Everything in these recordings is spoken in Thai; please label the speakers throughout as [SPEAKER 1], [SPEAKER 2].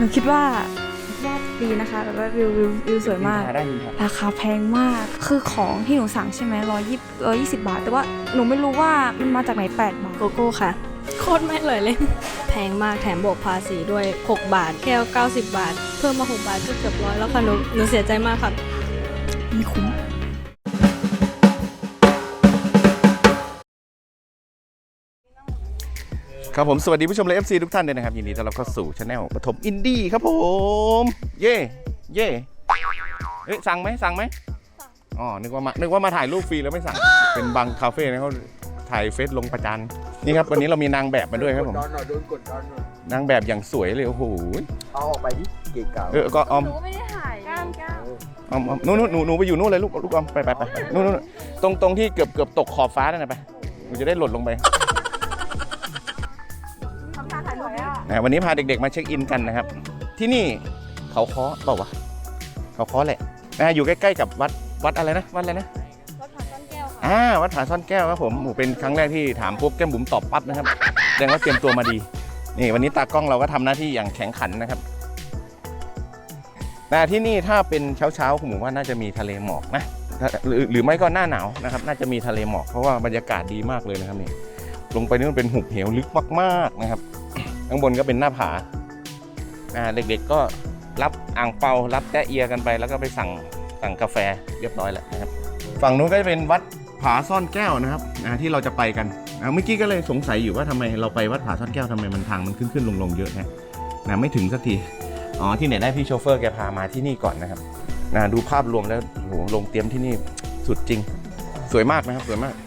[SPEAKER 1] นูคิดว่าดีนะคะแบบว่าวิวสวยมากราคาแพงมากคือของที่หนูสั่งใช่ไหม120 บาทแต่ว่าหนูไม่รู้ว่ามันมาจากไหน8 บาท
[SPEAKER 2] โกโก้ค่ะโคตรไม่เลยแพงมากแถมบวกภาษีด้วย6 บาทแก้ว90 บาทเพิ่มมา6 บาทก็เกือบ100แล้วค่ะหนูเสียใจมากค่ะ
[SPEAKER 1] ไม่คุ้ม
[SPEAKER 3] ครับผมสวัสดีผู้ชมและ FC ทุกท่านเลยนะครับยินดีต้อนรับเข้าสู่ช anel ปฐมอินดี้ครับผมเย่เย่เอ๊ะสั่งไหมอ๋อนึกว่ามาถ่ายรูปฟรีแล้วไม่สั่งเป็นบางคาเฟ่นะเขาถ่ายเฟซลงประจานนี่ครับวันนี้เรามีนางแบบมาด้วยครับผมนางแบบอย่างสวยเลยโอ้โห
[SPEAKER 4] เอาออกไปดิเก๋เก่า
[SPEAKER 3] ก็ออม
[SPEAKER 1] หนูไม่ได้ถ่ายก้าว
[SPEAKER 3] ออมหนูไปอยู่นู่นเลยลูกออมไปนู่นตรงที่เกือบตกขอบฟ้านั่นนะไปหนูจะได้หล่นลงไปวันนี้พาเด็กๆมาเช็คอินกันนะครับที่นี่เขาค้อเปล่าวะเขาค้อแหละอยู่ใกล้ๆกับวัดอะไรนะวัดอะไรนะ
[SPEAKER 2] วัดผาซ่อนแก้วค่ะ
[SPEAKER 3] วัดผาซ่อนแก้วครับผมเป็นครั้งแรกที่ถามปุ๊บแก้มบุ๋มตอบปั๊บนะครับแสดงว่าเตรียมตัวมาดีนี่วันนี้ตากล้องเราก็ทำหน้าที่อย่างแข็งขันนะครับที่นี่ถ้าเป็นเช้าผมว่าน่าจะมีทะเลหมอกนะหรือไม่ก็หน้าหนาวนะครับน่าจะมีทะเลหมอกเพราะว่าบรรยากาศดีมากเลยนะครับนี่ลงไปนี่มันเป็นหุบเหวลึกมากๆนะครับข้างบนก็เป็นหน้าผาเด็กๆก็รับอ่างเปารับแตะเอียกันไปแล้วก็ไปสั่งกาแฟเรียบร้อยแล้วนะครับฝั่งนู้นก็จะเป็นวัดผาซ่อนแก้วนะครับที่เราจะไปกันเมื่อกี้ก็เลยสงสัยอยู่ว่าทำไมเราไปวัดผาซ่อนแก้วทำไมมันทางมันขึ้นลงเยอะนะไม่ถึงสักทีที่ไหนได้พี่โชเฟอร์แกพามาที่นี่ก่อนนะครับดูภาพรวมแล้วโหลงเตรียมที่นี่สุดจริงสวยมากนะครับสวยมาก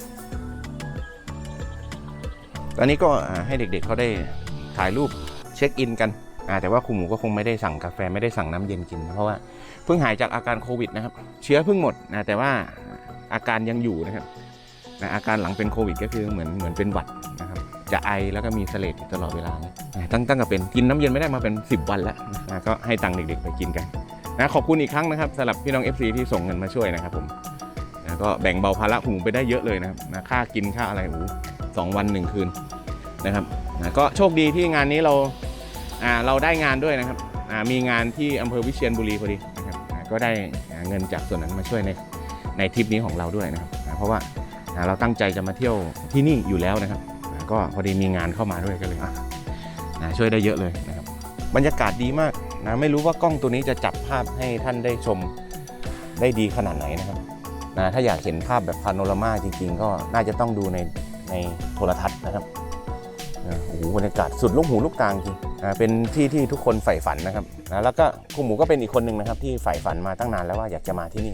[SPEAKER 3] ตอนนี้ก็ให้เด็กๆเขาได้ถ่ายรูปเช็คอินกันแต่ว่าครูหมูก็คงไม่ได้สั่งกาแฟไม่ได้สั่งน้ำเย็นกินเพราะว่าเพิ่งหายจากอาการโควิดนะครับเชื้อเพิ่งหมดแต่ว่าอาการยังอยู่นะครับอาการหลังเป็นโควิดก็คือเหมือนเป็นหวัดนะครับจะไอแล้วก็มีเสลดตลอดเวลาตั้งแต่เป็นกินน้ำเย็นไม่ได้มาเป็น10 วันแล้วก็ให้ตังค์เด็กๆไปกินกันขอบคุณอีกครั้งนะครับสำหรับพี่น้อง FC ที่ส่งเงินมาช่วยนะครับผมก็แบ่งเบาภาระครูหมูไปได้เยอะเลยนะครับค่ากินค่าอะไร2 วัน 1 คืนนะครับก็โชคดีที่งานนี้เราได้งานด้วยนะครับมีงานที่อำเภอวิเชียรบุรีพอดีนะครับก็ได้เงินจากส่วนนั้นมาช่วยในทริปนี้ของเราด้วยนะครับเพราะว่าเราตั้งใจจะมาเที่ยวที่นี่อยู่แล้วนะครับก็พอดีมีงานเข้ามาด้วยก็เลยช่วยได้เยอะเลยนะครับบรรยากาศดีมากไม่รู้ว่ากล้องตัวนี้จะจับภาพให้ท่านได้ชมได้ดีขนาดไหนนะครับถ้าอยากเห็นภาพแบบพาโนรามาจริงๆก็น่าจะต้องดูในโทรทัศน์นะครับโอ้โหบรรยากาศสุดลูกหูลูกตาจริงเป็นที่ทุกคนใฝ่ฝันนะครับแล้วก็ครูหมูก็เป็นอีกคนหนึ่งนะครับที่ใฝ่ฝันมาตั้งนานแล้วว่าอยากจะมาที่นี่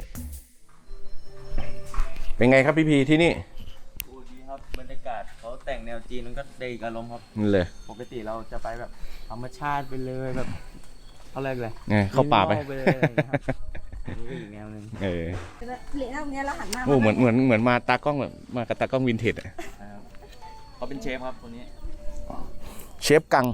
[SPEAKER 3] เป็นไงครับพี่พีที่นี่
[SPEAKER 4] โอ้ดีครับบรรยากาศเขาแต่งแนวจีนมันก็ได้อีกอารมณ์ครับ
[SPEAKER 3] เลย
[SPEAKER 4] ปกติเราจะไปแบบธรรมชาติไปเลยแบบเขาเรียกอะไร
[SPEAKER 3] เข้าป่าไป
[SPEAKER 4] เลยนี่ก็อีกแนวนึง
[SPEAKER 1] เหรียญตรงนี้เราหันหน้า
[SPEAKER 3] เหมือนมาตากล้องแบบมากับตากล้องวินเทจ
[SPEAKER 4] เขาเป็นเชฟครับคนนี้
[SPEAKER 3] เชฟกัง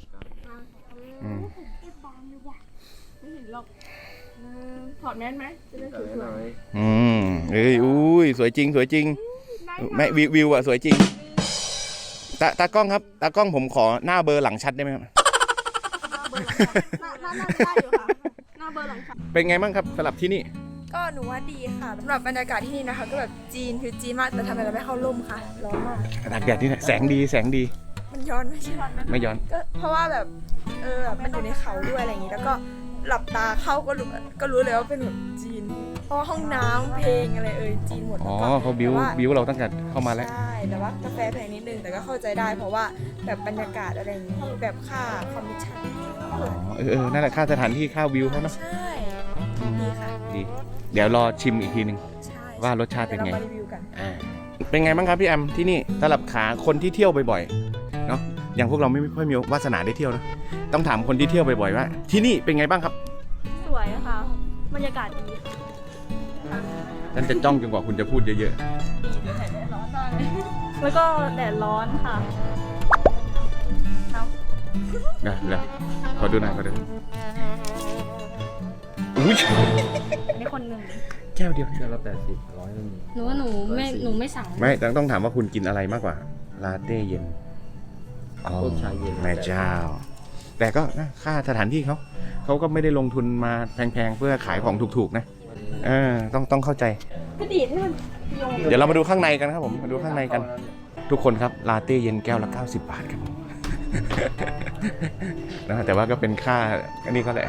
[SPEAKER 1] ถอดแมสไหมจะได้สวย
[SPEAKER 3] อุ้ยสวยจริงแม่วิวสวยจริงตากล้องครับตากล้องผมขอหน้าเบอร์หลังชัดได้ไหมครับ
[SPEAKER 1] หน้าได้อยู่ค่ะหน้าเบอร์หลังชัด
[SPEAKER 3] เป็นไงบ้างครับสำหรับที่นี่
[SPEAKER 1] ก็หนูว่าดีค่ะสำหรับบรรยากาศที่นี่นะคะก็แบบจีนคือจีนมากแต่ทำไมเราไม่เข้าร่มค่ะร้อนมาก
[SPEAKER 3] ตากแดดนี่แสงดี
[SPEAKER 1] มันย้อน
[SPEAKER 3] ไม่ย้อน
[SPEAKER 1] ก็เพราะว่าแบบมันอยู่ในเขาด้วยอะไรอย่างนี้แล้วก็หลับตาเข้าก็รู้เลยว่าเป็นแบบจีนเพราะห้องน้ำเพลงอะไรจีนหมด
[SPEAKER 3] เขาบิวเราตั้งแต่เข้ามาแล้ว
[SPEAKER 1] ใช่แต่ว่ากาแฟแพงนิดนึงแต่ก็เข้าใจได้เพราะว่าแบบบรรยากาศอะไรอย่างนี้แบบค่าคอมมิชชั่น
[SPEAKER 3] นั่นแหละค่าสถานที่ค่าวิวเขาเนาะ
[SPEAKER 1] ใช่ดีค่ะ
[SPEAKER 3] ดีเดี๋ยวรอชิมอีกทีนึงว่ารสชาติเป็นไงเป็นไงบ้างครับพี่แอมที่นี่สำหรับขาคนที่เที่ยวบ่อยๆเนาะอย่างพวกเราไม่ค่อยมีวาสนาได้เที่ยวนะต้องถามคนที่เที่ยวบ่อยๆว่าที่นี่เป็นไงบ้างครับ
[SPEAKER 2] สวยค่ะบรรยากาศดี
[SPEAKER 3] ฉันจะจ้องจนกว่าคุณจะพูดเยอะ
[SPEAKER 2] ๆแล้วก็แดดร้อนค่ะ
[SPEAKER 3] แล้วขอดูหน่อยอุ้ย
[SPEAKER 2] นี่คนหนึ่ง
[SPEAKER 3] แก้วเดียว
[SPEAKER 4] ละ80 100นึง
[SPEAKER 2] หนูว่าหนูไม่สั่ง
[SPEAKER 3] ไม่ต้องถามว่าคุณกินอะไรมากกว่าลาเต้เย็น
[SPEAKER 4] ชาเย็น
[SPEAKER 3] แม่เจ้าแต่ก็นะค่าสถานที่เขาก็ไม่ได้ลงทุนมาแพงๆเพื่อขายของถูกๆนะต้องเข้าใจเดี๋ยวเรามาดูข้างในกันครับผมมาดูข้างในกันทุกคนครับลาเต้เย็นแก้วละ90 บาทครับผม นะแต่ว่าก็เป็นค่าอันนี้ก็แหละ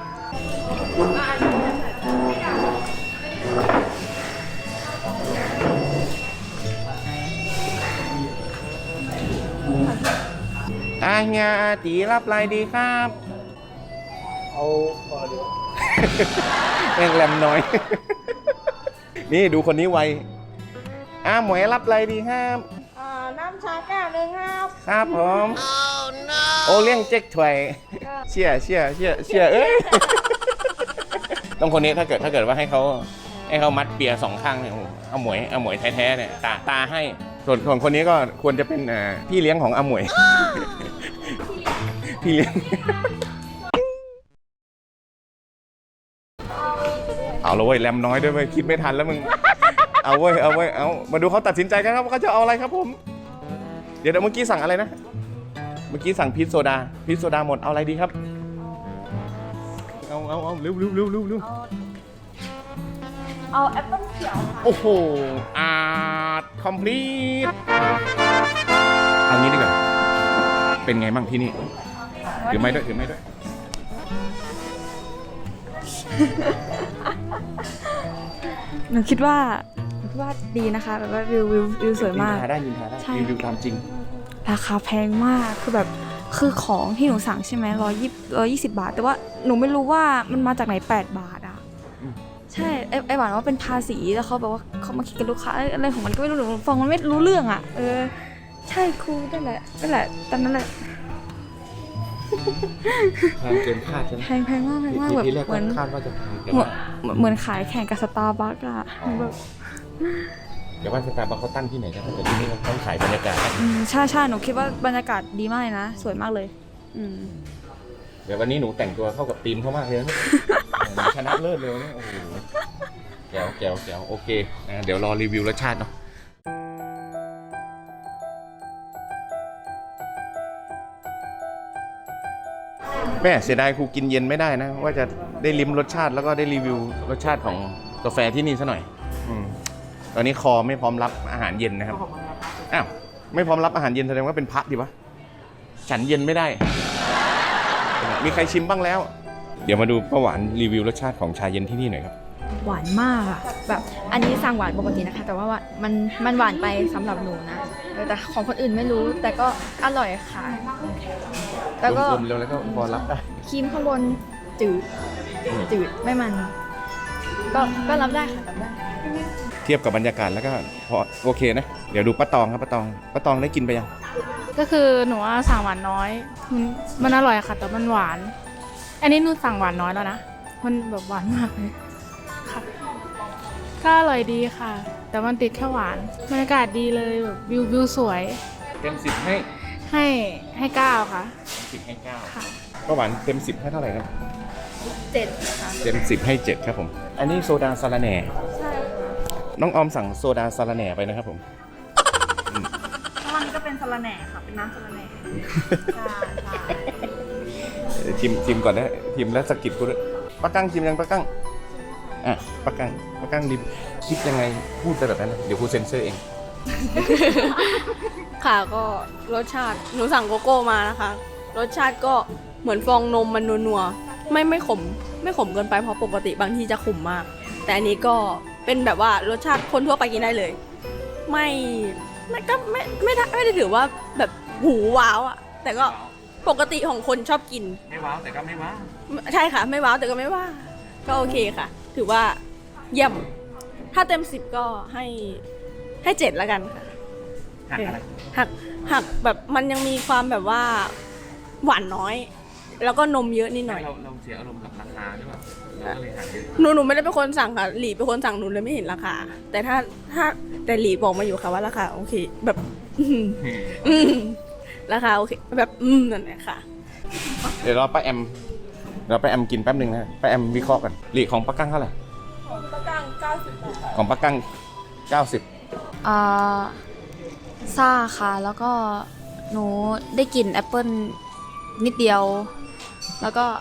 [SPEAKER 3] เฮียตีรับอะไรดีครับเอาพอเดียวแม่งแรมน้อย นี่ดูคนนี้ไวหมวยรับอะไรดีครับ
[SPEAKER 1] น้ำชาแก้วหนึ่งครับ
[SPEAKER 3] ครับผมโอเลี้ยงเจ๊กถวยเชี่ยเอ้ย ต้องคนนี้ถ้าเกิดว่าให้เขามัดเปียสองข้างเนี่ยเอาหมวยแท้ๆเนี่ยตาให้ส่วนคนนี้ก็ควรจะเป็นพี่เลี้ยงของอาหมวย พี่เลี้ยง เอาละเว้ยแรมน้อยด้วยเว้ยคิดไม่ทันแล้วมึงเอามาดูเขาตัดสินใจกันครับว่าเขาจะเอาอะไรครับผมเดี๋ยวเมื่อกี้สั่งอะไรนะเมื่อกี้สั่งพีชโซดาหมดเอาอะไรดีครับเอาเร็ว
[SPEAKER 1] เอาแอปเปิ้ลเขียวค่ะ
[SPEAKER 3] โอ้โหคอมพลีทเอางี้ดีกว่าเป็นไงบ้างที่นี่ถือไม้ด้วย
[SPEAKER 1] หนูคิดว่าดีนะคะแบบว่าวิวสวยมาก
[SPEAKER 3] ได้ยินทาได้รีวิวตามจริง
[SPEAKER 1] ราคาแพงมากคือของที่หนูสั่งใช่ไหม120 บาทแต่ว่าหนูไม่รู้ว่ามันมาจากไหน8 บาทอ่ะใช่ไอหวานว่าเป็นภาษีแล้วเขาบอกว่าเขามาคิดกับลูกค้าอะไรของมันก็ไม่รู้หนูฟังมันไม่รู้เรื่องอ่ะใช่ครูนั่นแหละตอนนั้นแหละ
[SPEAKER 3] แพงเกินคาดใช่ไหม
[SPEAKER 1] แพงมากแบบเหมือน
[SPEAKER 3] คาดว่าจะ
[SPEAKER 1] เหมือนขายแข่งกับสตาร์บัคอะแบบ
[SPEAKER 3] เดี๋ยวว่าสตาร์บัคเขาตั้งที่ไหนกันแต่ที่นี่เขาต้องขายบรรยากาศ
[SPEAKER 1] ใช่หนูคิดว่าบรรยากาศดีมากเลยนะสวยมากเลย
[SPEAKER 3] เดี๋ยววันนี้หนูแต่งตัวเข้ากับธีมเขามากเลยนะชนะเลิศเลยเนี่ยโอ้โหแก้วโอเคเดี๋ยวรอรีวิวรสชาติเนาะแม่เสียดายครูกินเย็นไม่ได้นะว่าจะได้ลิ้มรสชาติแล้วก็ได้รีวิวรสชาติของกาแฟที่นี่ซะหน่อยตอนนี้คอไม่พร้อมรับอาหารเย็นนะครับไม่พร้อมรับอาหารเย็นแสดงว่าเป็นพระดิวะฉันเย็นไม่ได้มีใครชิมบ้างแล้วเดี๋ยวมาดูป้าหวานรีวิวรสชาติของชาเย็นที่นี่หน่อยครับ
[SPEAKER 2] หวานมากอะแบบอันนี้สั่งหวานปกตินะคะแต่ว่ามันหวานไปสำหรับหนูนะแต่ของคนอื่นไม่รู้แต่ก็อร่อยค่ะแล้วก็
[SPEAKER 3] แล้วก็พอรับได้
[SPEAKER 2] ครีมข้างบนจืดไม่มันก็รับได้ค่ะรับได้
[SPEAKER 3] เทียบกับบรรยากาศแล้วก็พอโอเคนะเดี๋ยวดูป้าตองครับป้าตองได้กินไปยัง
[SPEAKER 5] ก็คือหนูสั่งหวานน้อยมันอร่อยค่ะแต่มันหวานอันนี้หนูสั่งหวานน้อยแล้วนะมันแบบหวานมากเลยค่ะก็อร่อยดีค่ะแต่มันติดแค่หวานบรรยากาศดีเลยแบบวิวสวย
[SPEAKER 3] เต็ม10
[SPEAKER 5] ให้9ค่ะ
[SPEAKER 3] 10ให้9ค่ะป้าหวานเต็ม10ให้เท่าไหร่ครับ
[SPEAKER 2] 7ค่ะ
[SPEAKER 3] เต็ม10ให้7ครับผมอันนี้โซดาสาระแหน่
[SPEAKER 2] ใช่
[SPEAKER 3] น้องออมสั่งโซดาสาระแหน่ไปนะครับผม
[SPEAKER 1] วันนี้ก็เป็นสาระแหน่ค่ะเป็นน้ำสาระแหน่
[SPEAKER 3] ชิมก่อนนะชิมแล้วสกิดกูด้วยป้ากั้งชิมยังป้ากั้งป้ากั้งดิบคิดยังไงพูดไปแบบนั้นเดี๋ยวกูเซ็นเซอร์เอง
[SPEAKER 2] ค่ะก็รสชาติหนูสั่งโกโก้มานะคะรสชาติก็เหมือนฟองนมมันนัวๆไม่ขมเกินไปเพราะปกติบางทีจะขมมากแต่อันนี้ก็เป็นแบบว่ารสชาติคนทั่วไปกินได้เลยไม่ได้ถือว่าแบบหูว้าวอ่ะแต่ก็ปกติของคนชอบกิน
[SPEAKER 3] ไม่ว้าวแต่ก็ไม่ว้าว
[SPEAKER 2] ใช่ค่ะไม่ว้าวแต่ก็ไม่ว่าก็โอเคค่ะถือว่าเยี่ยมถ้าเต็ม10ก็ให้7แล้วกันค่ะหักแบบมันยังมีความแบบว่าหวานน้อยแล้วก็นมเยอะนิดหน่อย
[SPEAKER 3] เราเสียอารมณ์กับราคาด้วย
[SPEAKER 2] หนูไม่ได้เป็นคนสั่งค่ะหลีเป็นคนสั่งหนูเลยไม่เห็นราคาแต่แต่หลีบอกมาอยู่ค่ะว่าราคาโอเคแบบราคาโอเคแบบนั่นแหละค่ะ
[SPEAKER 3] เดี๋ยวเราป้าแอมกินแป๊บนึงนะป้าแอมวิเคราะห์กันหลีของป้ากั้งเท่าไหร่
[SPEAKER 1] ของป้ากั้ง90
[SPEAKER 3] ของป้ากั้ง90
[SPEAKER 1] ซ่าค่ะแล้วก็หนูได้กลิ่นแอปเปิ้ลนิดเดียวแล้วก็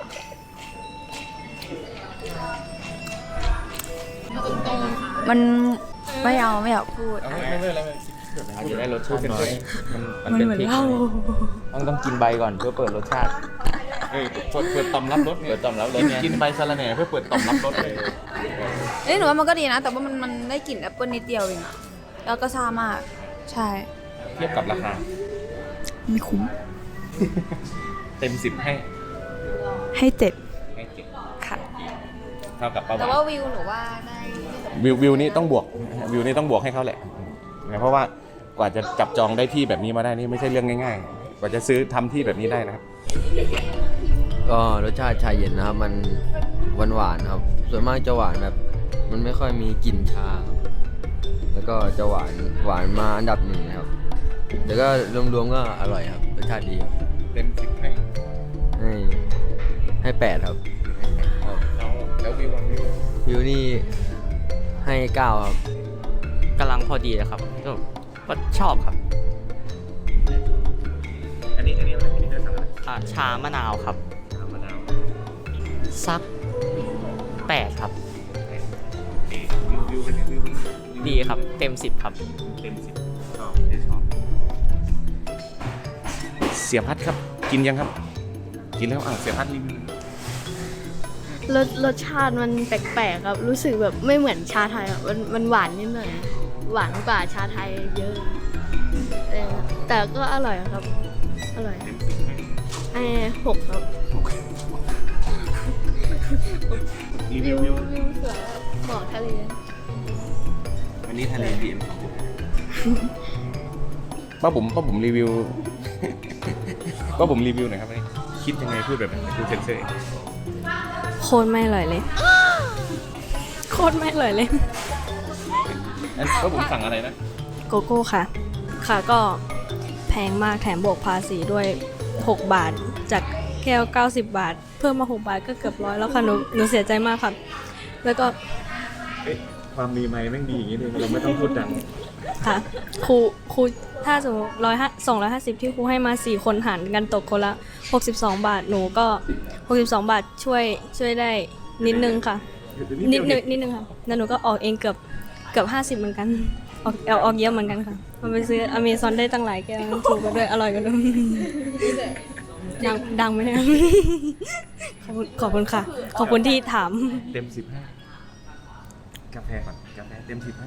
[SPEAKER 1] มันไม่เอาไม่อยากพูด
[SPEAKER 4] อาจจะได้รสชาติน้อยมัน
[SPEAKER 1] มัน
[SPEAKER 4] เป็น
[SPEAKER 1] เหมือน
[SPEAKER 4] พริก
[SPEAKER 1] เหล้า
[SPEAKER 4] ต้องกินใบก่อนเพื่อเปิดรสชาติ
[SPEAKER 3] เปิดต่อมรับรส
[SPEAKER 4] เปิดต่อมรับรสไง
[SPEAKER 3] กินใบสะระแหน่เพื่อเปิดต่อมรับรสเลย
[SPEAKER 1] หนูว่ามันก็ดีนะ แต่ว่ามันได้กลิ่นแอปเปิลนิดเดียวเองอะแล้วก็ซ่ามาก ใช่
[SPEAKER 3] เทียบกับราคา
[SPEAKER 1] ไม่คุ้ม
[SPEAKER 3] เต็ม10ให้
[SPEAKER 1] ให้7
[SPEAKER 3] เจ็ด
[SPEAKER 1] ค่ะ
[SPEAKER 3] เท่ากับป้า
[SPEAKER 1] แต่
[SPEAKER 3] หวา
[SPEAKER 1] ว่าน วิวหนูว่าได้
[SPEAKER 3] วิวนี่ต้องบวกวิวนี่ต้องบวกให้เขาแหละเพราะว่ากว่าจะจับจองได้ที่แบบนี้มาได้นี่ไม่ใช่เรื่องง่ายๆ กว่าจะซื้อทำที่แบบนี้ได้นะครับ
[SPEAKER 6] ก็รสชาติชาเย็นนะครับมันหวานๆครับ ส่วนมากจะหวานแบบมันไม่ค่อยมีกลิ่นชาครับแล้วก็จะหวานมาอันดับหนึ่งนะครับแต่ก็รวมๆก็อร่อยครับรสชาติดีครับ
[SPEAKER 3] เต็ม10ให้
[SPEAKER 6] ให้8ครับ
[SPEAKER 3] แล้ววิว
[SPEAKER 6] วิวนี่ให้9ครับ
[SPEAKER 4] กำลังพอดีนะครับก็ชอบครับ
[SPEAKER 3] อันนี้อะไรอันนี้จะสั่งอะไร
[SPEAKER 4] ชามะนาวครับ
[SPEAKER 3] น้ำมะนาว
[SPEAKER 4] สัก8ครับ
[SPEAKER 3] วิวเป็นไงวิว
[SPEAKER 4] ดีครับเต็ม10ครับ
[SPEAKER 3] เต็ม10ชอบเสียพัดครับกินยังครับ กินแล้วเสียพัดรีวิว
[SPEAKER 7] รสชาติมันแปลกๆครับ รู้สึกแบบไม่เหมือนชาไทยครับมันหวานนิดหน่อยหวานกว่าชาไทยเยอะแต่ก็อร่อยครับ อร่อยให้6ครับ
[SPEAKER 3] รี
[SPEAKER 7] วิ
[SPEAKER 3] วิ
[SPEAKER 7] ว
[SPEAKER 3] ว
[SPEAKER 7] วิวสวยครับหมอกทะเล
[SPEAKER 3] วันนี้ทะเลดีมป้าผมรีวิว ป้าผมรีวิวหน่อยครับวันนี้คิดยังไงพูดแบบนี้พูดเซนเซอร์
[SPEAKER 2] โคตรไม่อร่อยเลย โคตรไม่อร่อยเลย
[SPEAKER 3] ป้าผมสั่งอะไรนะ
[SPEAKER 2] โกโก้ค่ะ ค่ะก็แพงมากแถมบวกภาษีด้วย 6 บาท จากแก้ว90 บาท เพิ่มมา 6 บาทก็เกือบ100แล้วค่ะหนูเสียใจมากค่ะ แล้วก็
[SPEAKER 3] ความดีไหมแม่งดีอย่างนี้เลยเราไม่ต้องพูดดัง
[SPEAKER 2] ค่ะครูถ้าสมมติ250ที่ครูให้มา4คนหารกันตกคนละ62 บาทหนูก็62 บาทช่วยได้นิดนึงค่ะ นิดนึงค่ะแล้วหนูก็ออกเองเกือบ50เหมือนกันออกเยอะเหมือนกันค่ะมันไปซื้ออเมซอนได้ตั้งหลายแก้วถูกกันด้วยอร่อยกันด้วยดังไหมเนี่ยขอบคุณค่ะ ขอบคุณที่ถาม
[SPEAKER 3] เต็ม10ให้กาแฟก่อนกาแฟเต็ม10ให้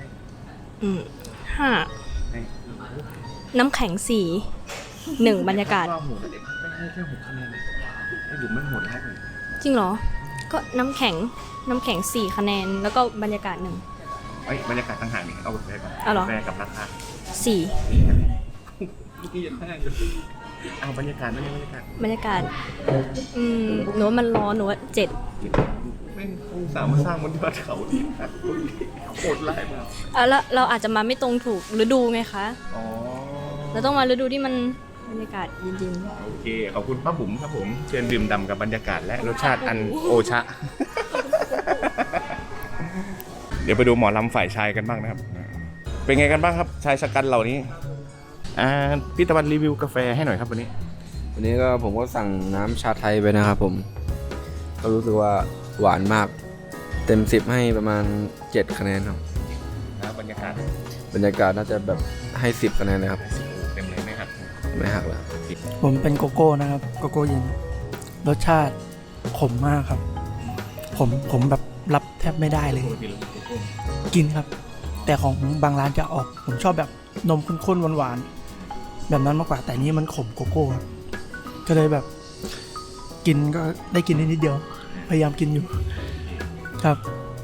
[SPEAKER 2] 5
[SPEAKER 3] ให้
[SPEAKER 2] น้ำแข็ง1บรรยากาศ
[SPEAKER 3] ว่าโหดเด็กไม่ให้แค่6คะแนนไอ้หลุมไม่โหดให้เลย
[SPEAKER 2] จริงเหรอ ก็น้ำแข็ง4คะแนนแล้วก็บรรยากาศ1
[SPEAKER 3] เอ้ยบรรยากาศต่างหากนี่เอากาแฟก่อน
[SPEAKER 2] เอาเหรอ
[SPEAKER 3] กาแฟกับราคา
[SPEAKER 2] 4
[SPEAKER 3] นี่คะแนนนี่ยัง5อยู่เอาบรรยากาศนั่นเองบรรยากาศ
[SPEAKER 2] หนูว่ามันร้อนหนูว่า7
[SPEAKER 3] แม่งสามารถสร้างบนยอดเขาที่หักโคตรไล่มาก
[SPEAKER 2] แล้วเราอาจจะมาไม่ตรงถูกฤดูไงคะ
[SPEAKER 3] อ๋อ
[SPEAKER 2] เราต้องมาฤดูที่มันบรรยากาศเย็น
[SPEAKER 3] โอเคขอบคุณป้าบุ๋มครับผมเชิญดื่มด่ำกับบรรยากาศและรสชาติอันโอชะ เดี๋ยวไปดูหมอลำฝ่ายชายกันบ้างนะครับ เป็นไงกันบ้างครับชายชะกันเหล่านี้พี่ตะวันรีวิวกาแฟให้หน่อยครับวันนี้
[SPEAKER 6] วันนี้ก็ผมก็สั่งน้ำชาไทยไปนะครับผมก็รู้สึกว่าหวานมากเต็ม10ให้ประมาณ7คะแนนครับ
[SPEAKER 3] นะบรรยากาศ
[SPEAKER 6] บรรยากาศน่าจะแบบให้10คะแนนเลยครับ
[SPEAKER 3] เต็มเลยไหมครับ
[SPEAKER 6] ไม่หักแล้ว
[SPEAKER 8] ผมเป็นโกโก้นะครับโกโก้เย็นรสชาติขมมากครับผมแบบรับแทบไม่ได้เลย กินครับ แต่ของบางร้านจะออก ผมชอบแบบนมข้นๆหวานๆแบบนั้นมากกว่าแต่นี้มันขมโกโก้ครับก็เลยแบบกินก็ได้กินนิดเดียว พยายามกินอยู่ครับ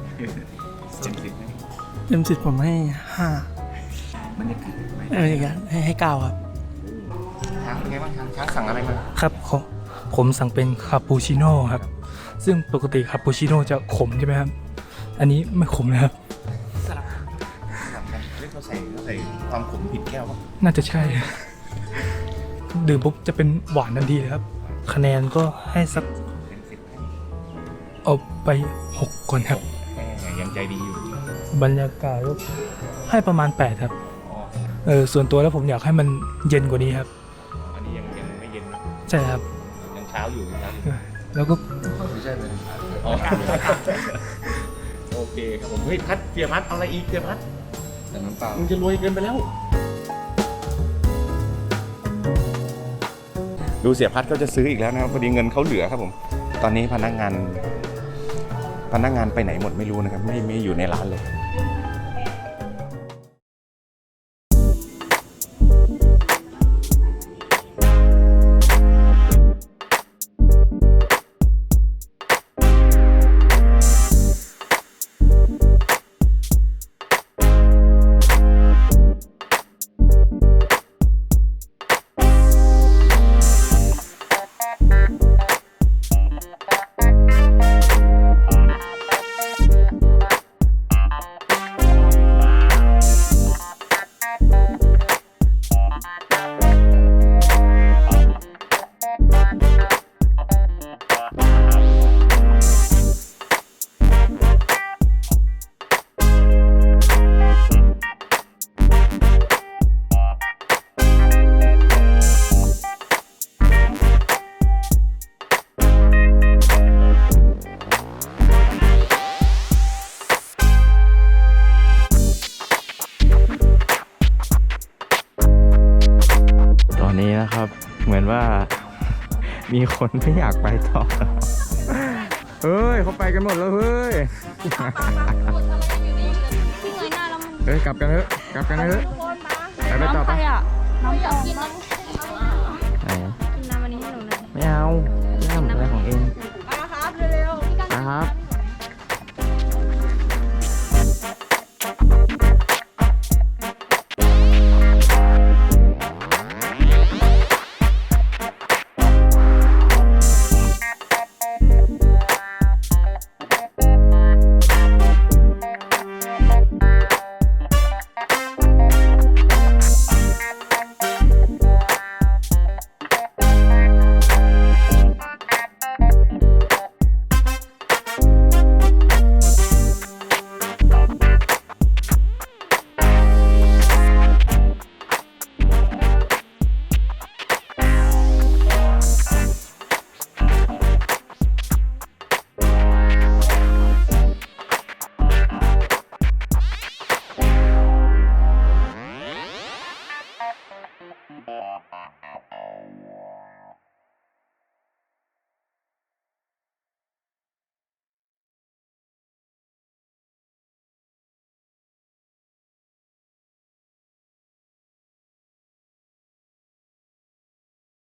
[SPEAKER 3] เต็มสิบไหม
[SPEAKER 8] เต็ม10ผมให้5
[SPEAKER 3] บรรยากาศ
[SPEAKER 8] ให้9ครับ
[SPEAKER 3] ช้างเป็นไงบ้างช้างสั่งอะไรมา
[SPEAKER 9] ครับผมสั่งเป็นคาปูชิโน่ครับ ซึ่งปกติคาปูชิโน่จะขมใช่ไหมครับ อันนี้ไม่ขมนะครับ
[SPEAKER 3] สลับกันเรียกเขาใส่ความขมผิดแก้วป่ะ
[SPEAKER 9] น่าจะใช่ ดื่มปุ๊บจะเป็นหวานทันทีเลยครับ คะแนนก็ให้สัก
[SPEAKER 3] เต็ม10ให้
[SPEAKER 9] เอาไป6ก่อนครับ
[SPEAKER 3] ยังใจดีอยู่
[SPEAKER 9] บรรยากาศก็ให้ประมาณ8ครับ
[SPEAKER 3] อ๋อ
[SPEAKER 9] ส่วนตัวแล้วผมอยากให้มันเย็นกว่านี้ครับ
[SPEAKER 3] อันนี้ยังไม่เย็นนะ
[SPEAKER 9] ใช่ครับ
[SPEAKER 3] ยังเช้าอยู่ยังเช้าอยู่
[SPEAKER 9] รแล้วก็
[SPEAKER 3] โอเคครับผมเฮ้ยพัดเสียพัดเอาอะไรอีกเสียพัด
[SPEAKER 6] แต่น้ำเปล่า
[SPEAKER 3] มึงจะรวยเกินไปแล้ว ดูเสียพัดก็จะซื้ออีกแล้วนะครับพอดีเงินเขาเหลือครับผมตอนนี้พนักงานไปไหนหมดไม่รู้นะครับไม่อยู่ในร้านเลย
[SPEAKER 4] ตอนนี้นะครับ เหมือนว่า มีคนไม่อยากไปต่อ เฮ้ยเขาไปกันหมดแล้วเฮ้ย เฮ้ยกลับกันเถอะกลับกันเถอะไปต่อไป
[SPEAKER 1] น้ำอยากกินน้ำ